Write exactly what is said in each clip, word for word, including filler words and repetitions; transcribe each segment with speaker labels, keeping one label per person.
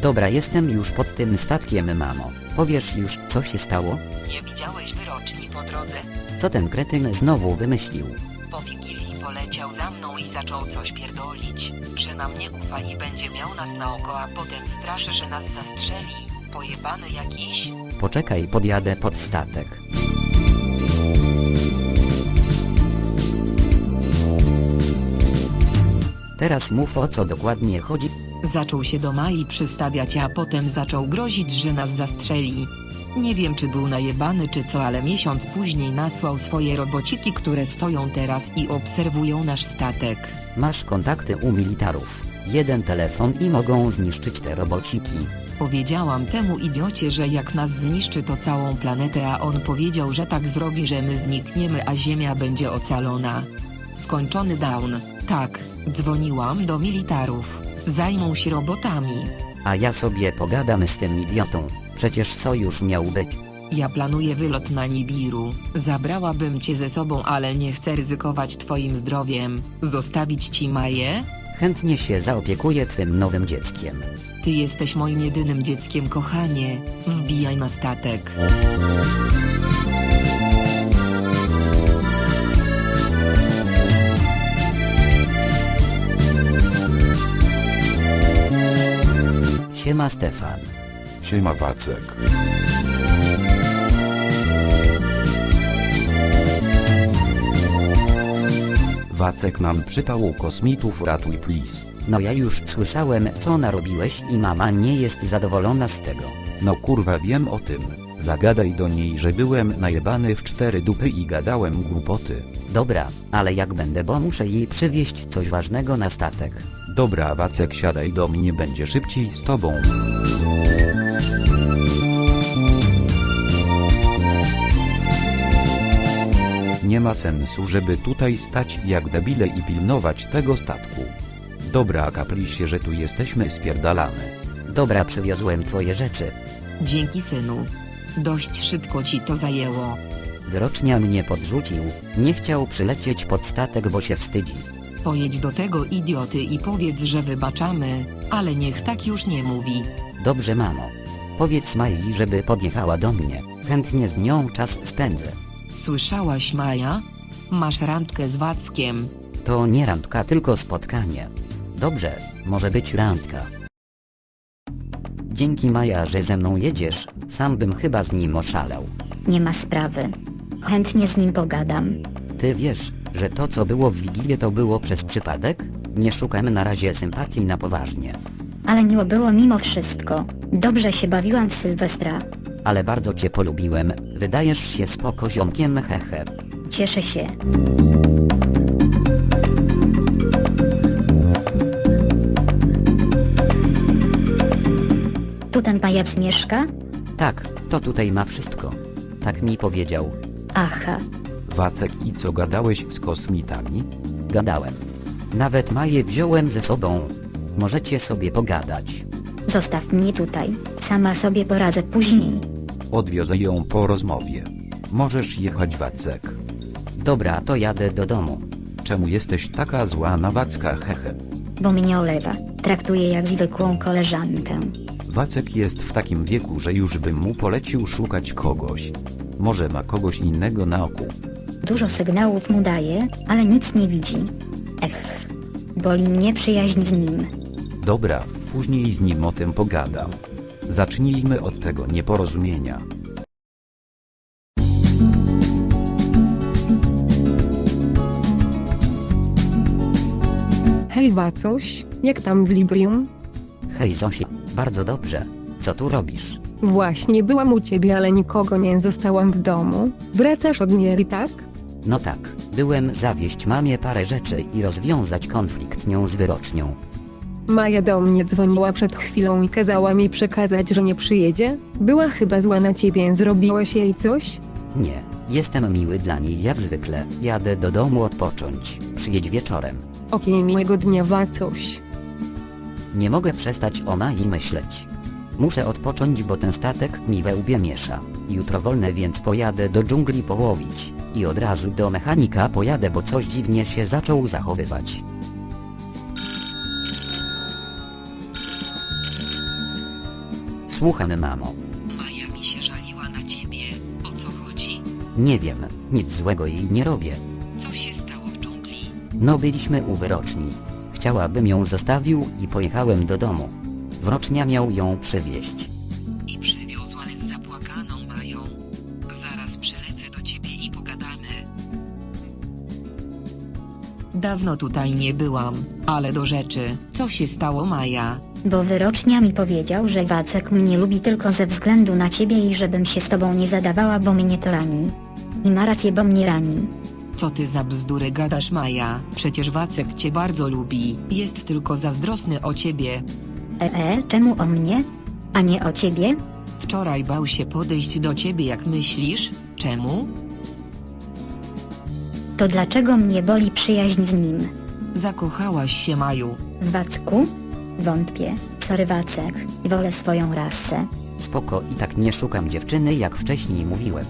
Speaker 1: Dobra, jestem już pod tym statkiem, mamo. Powiesz już, co się stało?
Speaker 2: Nie widziałeś wyroczni po drodze?
Speaker 1: Co ten kretyn znowu wymyślił?
Speaker 2: Po Wigilii poleciał za mną i zaczął coś pierdolić, że nam nie ufa i będzie miał nas naokoło, a potem straszy, że nas zastrzeli. Pojebany jakiś?
Speaker 1: Poczekaj, podjadę pod statek. Teraz mów, o co dokładnie chodzi.
Speaker 2: Zaczął się do Mai przystawiać, a potem zaczął grozić, że nas zastrzeli. Nie wiem, czy był najebany czy co, ale miesiąc później nasłał swoje robociki, które stoją teraz i obserwują nasz statek.
Speaker 1: Masz kontakty u militarów. Jeden telefon i mogą zniszczyć te robociki.
Speaker 2: Powiedziałam temu idiocie, że jak nas zniszczy to całą planetę, a on powiedział, że tak zrobi, że my znikniemy, a Ziemia będzie ocalona. Skończony down. Tak, dzwoniłam do militarów. Zajmą się robotami.
Speaker 1: A ja sobie pogadam z tym idiotą. Przecież sojusz miał być.
Speaker 2: Ja planuję wylot na Nibiru. Zabrałabym cię ze sobą, ale nie chcę ryzykować twoim zdrowiem. Zostawić ci Maję?
Speaker 1: Chętnie się zaopiekuję twym nowym dzieckiem.
Speaker 2: Ty jesteś moim jedynym dzieckiem, kochanie. Wbijaj na statek.
Speaker 1: Siema Stefan.
Speaker 3: Siema Wacek. Wacek, mam przypał u kosmitów, ratuj please.
Speaker 1: No ja już słyszałem, co narobiłeś i mama nie jest zadowolona z tego.
Speaker 3: No kurwa, wiem o tym. Zagadaj do niej, że byłem najebany w cztery dupy i gadałem głupoty.
Speaker 1: Dobra, ale jak będę, bo muszę jej przywieźć coś ważnego na statek.
Speaker 3: Dobra Wacek, siadaj do mnie, będzie szybciej z tobą. Nie ma sensu, żeby tutaj stać jak debile i pilnować tego statku. Dobra, kapli się, że tu jesteśmy, spierdalamy.
Speaker 1: Dobra, przywiozłem twoje rzeczy.
Speaker 2: Dzięki, synu. Dość szybko ci to zajęło.
Speaker 1: Wyrocznia mnie podrzucił, nie chciał przylecieć pod statek, bo się wstydzi.
Speaker 2: Pojedź do tego idioty i powiedz, że wybaczamy, ale niech tak już nie mówi.
Speaker 1: Dobrze, mamo. Powiedz Mai, żeby podjechała do mnie. Chętnie z nią czas spędzę.
Speaker 2: Słyszałaś, Maja? Masz randkę z Wackiem.
Speaker 1: To nie randka, tylko spotkanie. Dobrze, może być randka. Dzięki, Maja, że ze mną jedziesz, sam bym chyba z nim oszalał.
Speaker 4: Nie ma sprawy. Chętnie z nim pogadam.
Speaker 1: Ty wiesz, że to co było w Wigilię to było przez przypadek? Nie szukam na razie sympatii na poważnie.
Speaker 4: Ale miło było mimo wszystko. Dobrze się bawiłam w Sylwestra.
Speaker 1: Ale bardzo cię polubiłem, wydajesz się spoko ziomkiem, hehe.
Speaker 4: Cieszę się. Tu ten pajac mieszka?
Speaker 1: Tak, to tutaj ma wszystko. Tak mi powiedział.
Speaker 4: Aha.
Speaker 3: Wacek, i co, gadałeś z kosmitami?
Speaker 1: Gadałem. Nawet Maję wziąłem ze sobą. Możecie sobie pogadać.
Speaker 4: Zostaw mnie tutaj. Sama sobie poradzę później.
Speaker 3: Odwiozę ją po rozmowie. Możesz jechać, Wacek.
Speaker 1: Dobra, to jadę do domu.
Speaker 3: Czemu jesteś taka zła na Wacka, hehe?
Speaker 4: Bo mnie olewa. Traktuję jak zwykłą koleżankę.
Speaker 3: Wacek jest w takim wieku, że już bym mu polecił szukać kogoś. Może ma kogoś innego na oku.
Speaker 4: Dużo sygnałów mu daje, ale nic nie widzi. Ech. Boli mnie przyjaźń z nim.
Speaker 3: Dobra, później z nim o tym pogadam. Zacznijmy od tego nieporozumienia.
Speaker 5: Hej Wacuś, jak tam w Librium?
Speaker 1: Hej Zosi, bardzo dobrze. Co tu robisz?
Speaker 5: Właśnie byłam u ciebie, ale nikogo nie zostałam w domu. Wracasz od Nieri, tak?
Speaker 1: No tak, byłem zawieźć mamie parę rzeczy i rozwiązać konflikt nią z wyrocznią.
Speaker 5: Maja do mnie dzwoniła przed chwilą i kazała mi przekazać, że nie przyjedzie. Była chyba zła na ciebie, zrobiłeś jej coś?
Speaker 1: Nie, jestem miły dla niej jak zwykle. Jadę do domu odpocząć. Przyjedź wieczorem.
Speaker 5: Okej, miłego dnia Wacuś.
Speaker 1: Nie mogę przestać o Mai myśleć. Muszę odpocząć, bo ten statek mi we łbie miesza. Jutro wolne, więc pojadę do dżungli połowić. I od razu do mechanika pojadę, bo coś dziwnie się zaczął zachowywać. Słucham, mamo.
Speaker 2: Maja mi się żaliła na ciebie. O co chodzi?
Speaker 1: Nie wiem, nic złego jej nie robię.
Speaker 2: Co się stało w dżungli?
Speaker 1: No byliśmy u wyroczni. Chciałabym ją zostawił i pojechałem do domu. Wrocznia miał ją przywieźć.
Speaker 2: I przywiózł, ale z zapłakaną Mają. Zaraz przylecę do ciebie i pogadamy. Dawno tutaj nie byłam, ale do rzeczy. Co się stało, Maja?
Speaker 4: Bo wyrocznia mi powiedział, że Wacek mnie lubi tylko ze względu na ciebie i żebym się z tobą nie zadawała, bo mnie to rani. I ma rację, bo mnie rani.
Speaker 2: Co ty za bzdury gadasz, Maja? Przecież Wacek cię bardzo lubi. Jest tylko zazdrosny o ciebie.
Speaker 4: E, e, czemu o mnie? A nie o ciebie?
Speaker 2: Wczoraj bał się podejść do ciebie, jak myślisz? Czemu?
Speaker 4: To dlaczego mnie boli przyjaźń z nim?
Speaker 2: Zakochałaś się, Maju.
Speaker 4: W Wacku? Wątpię. Sorry, Wacek. Wolę swoją rasę.
Speaker 1: Spoko, i tak nie szukam dziewczyny, jak wcześniej mówiłem.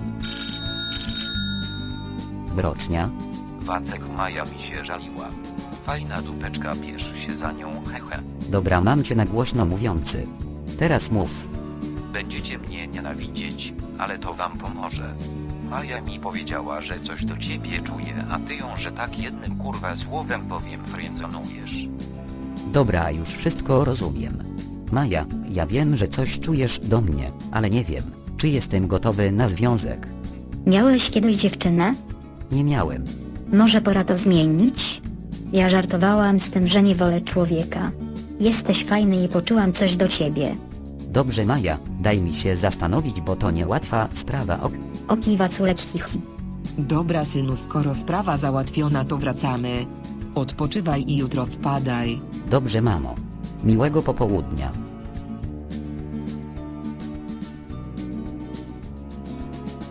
Speaker 1: Wrocznia.
Speaker 3: Wacek, Maja mi się żaliła. Fajna dupeczka, bierz się za nią, hehe.
Speaker 1: Dobra, mam cię na głośno mówiący. Teraz mów.
Speaker 3: Będziecie mnie nienawidzieć, ale to wam pomoże. Maja mi powiedziała, że coś do ciebie czuje, a ty ją, że tak jednym kurwa słowem powiem, frędzonujesz.
Speaker 1: Dobra, już wszystko rozumiem. Maja, ja wiem, że coś czujesz do mnie, ale nie wiem, czy jestem gotowy na związek.
Speaker 4: Miałeś kiedyś dziewczynę?
Speaker 1: Nie miałem.
Speaker 4: Może pora to zmienić? Ja żartowałam z tym, że nie wolę człowieka. Jesteś fajny i poczułam coś do ciebie.
Speaker 1: Dobrze, Maja, daj mi się zastanowić, bo to niełatwa sprawa. Ok.
Speaker 4: Oki, Waculek, chichi.
Speaker 2: Dobra, synu, skoro sprawa załatwiona, to wracamy. Odpoczywaj i jutro wpadaj.
Speaker 1: Dobrze, mamo. Miłego popołudnia.